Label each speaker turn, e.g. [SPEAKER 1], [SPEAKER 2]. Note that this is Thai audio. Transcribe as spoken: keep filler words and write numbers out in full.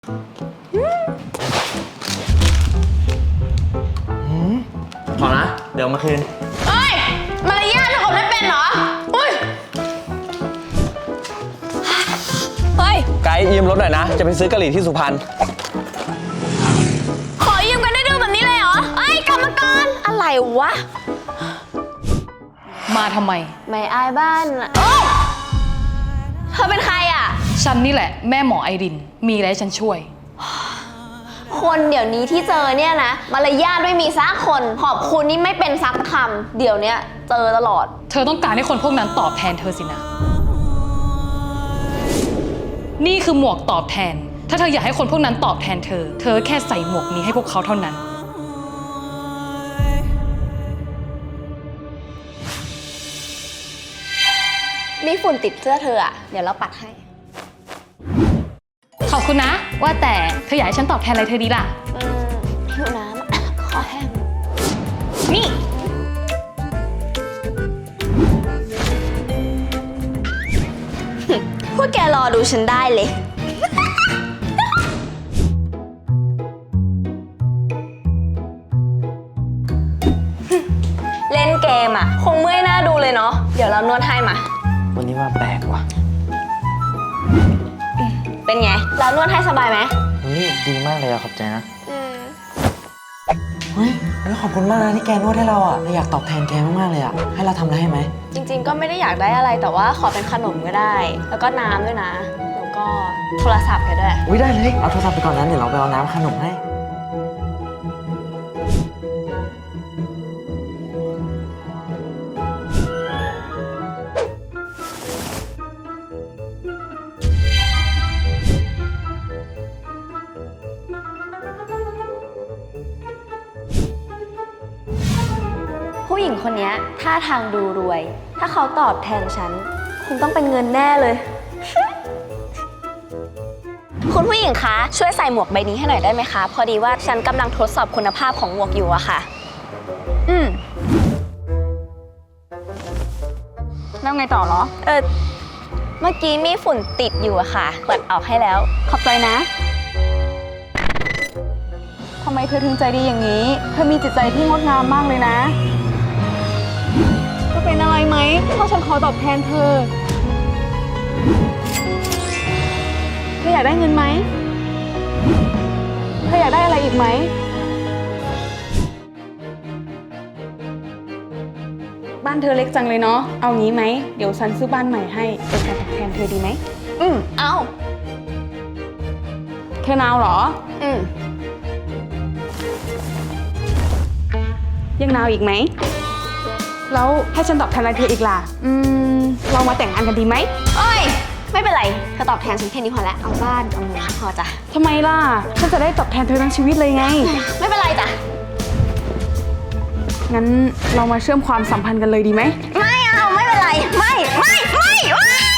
[SPEAKER 1] ขอนะเดี๋ยวมาคืน
[SPEAKER 2] เอ้ยมารยาทเธอกดไม่เป็นเหรออุ้ยเฮ้ย
[SPEAKER 1] ไกด์ยืมรถหน่อยนะจะไปซื้อกะหรี่ที่สุพรรณ
[SPEAKER 2] ขอยืมกันได้ดื้อแบบนี้เลยเหรอเอ้ยกรรมการอะไรวะ
[SPEAKER 3] มาทำไม
[SPEAKER 2] ไม่อายบ้านโอ้เธอเป็นใครอ่ะ
[SPEAKER 3] ฉันนี่แหละแม่หมอไอรินมีอะไรให้ฉันช่วย
[SPEAKER 2] คนเดี๋ยวนี้ที่เจอเนี่ยนะมารยาทไม่มีสักคนขอบคุณนี่ไม่เป็นสักคำเดี๋ยวเนี้ยเจอตลอด
[SPEAKER 3] เธอต้องการให้คนพวกนั้นตอบแทนเธอสินะนี่คือหมวกตอบแทนถ้าเธออยากให้คนพวกนั้นตอบแทนเธอเธอแค่ใส่หมวกนี้ให้พวกเขาเท่านั้น
[SPEAKER 2] มีฝุ่นติดเสื้อเธออ่ะเดี๋ยวเราปัดให้
[SPEAKER 3] ขอบคุณนะว่าแต่เธออยากให้ฉันตอบแทนอะไรเธอดีล่ะ
[SPEAKER 2] อืมหิวน้ำคอแห้งนี่พวกแกรอดูฉันได้เลยเล่นเกมอ่ะคงเมื่อยหน้าดูเลยเนาะเดี๋ยวเรานวดให้มา
[SPEAKER 1] วันนี้ว่าแปลกว่ะ
[SPEAKER 2] เป็นไงเรานวดให้สบายไหม
[SPEAKER 1] เฮ้ยดีมากเลยอะขอบใจนะเฮ้ยขอบคุณมากนะที่แกนวดให้เราอะเราอยากตอบแทนแกมากๆเลยอะให้เราทำอะไรให้ไหม
[SPEAKER 2] จริงๆก็ไม่ได้อยากได้อะไรแต่ว่าขอเป็นขนมก็ได้แล้วก็น้ำด้วยนะแล้วก็โทรศัพท์ก็ด้วย
[SPEAKER 1] อุ้ยได้เลยเอาโทรศัพท์ไปก่อนนั้นเดี๋ยวเราไปเอาน้ำขนมให้
[SPEAKER 2] ผู้หญิงคนนี้ท่าทางดูรวยถ้าเขาตอบแทนฉันคงต้องเป็นเงินแน่เลย คุณผู้หญิงคะช่วยใส่หมวกใบนี้ให้หน่อยได้ไหมคะพอดีว่าฉันกำลังทดสอบคุณภาพของหมวกอยู่อะค่ะอืมแล้วไงต่อเหรอเออเมื่อกี้มีฝุ่นติดอยู่อะค่ะเปิดออกให้แล้วขอบใจนะ
[SPEAKER 4] ทำไมเธอถึงใจดีอย่างนี้เธอมีจิตใจที่งดงามมากเลยนะจะเป็นอะไรไหมเพราะฉันขอตอบแทนเธอเธออยากได้เงินไหมเธออยากได้อะไรอีกไหมบ้านเธอเล็กจังเลยเนาะเอางี้ไหมเดี๋ยวฉันซื้อบ้านใหม่ให้เป็นการตอบแทนเธอดีไหม
[SPEAKER 2] อืมเอา
[SPEAKER 4] เธอนาวเหรอ
[SPEAKER 2] อืม
[SPEAKER 4] ยังนาวอีกไหมแล้วให้ฉันตอบแทนอะไรเธออีกล่ะอืมเรามาแต่งงานกันดีไหม
[SPEAKER 2] เอ้ยไม่เป็นไรเธอตอบแทนฉันแค่นี้พอแล้วเอาบ้านเอาเงินพอจ้ะ
[SPEAKER 4] ทำไมล่ะฉันจะได้ตอบแทนเธอทั้งชีวิตเลยไง
[SPEAKER 2] ไม่เป็นไรจ้ะ
[SPEAKER 4] งั้นเรามาเชื่อมความสัมพันธ์กันเลยดีไหม
[SPEAKER 2] ไม่เอาไม่เป็นไรไม่ไม่ไม่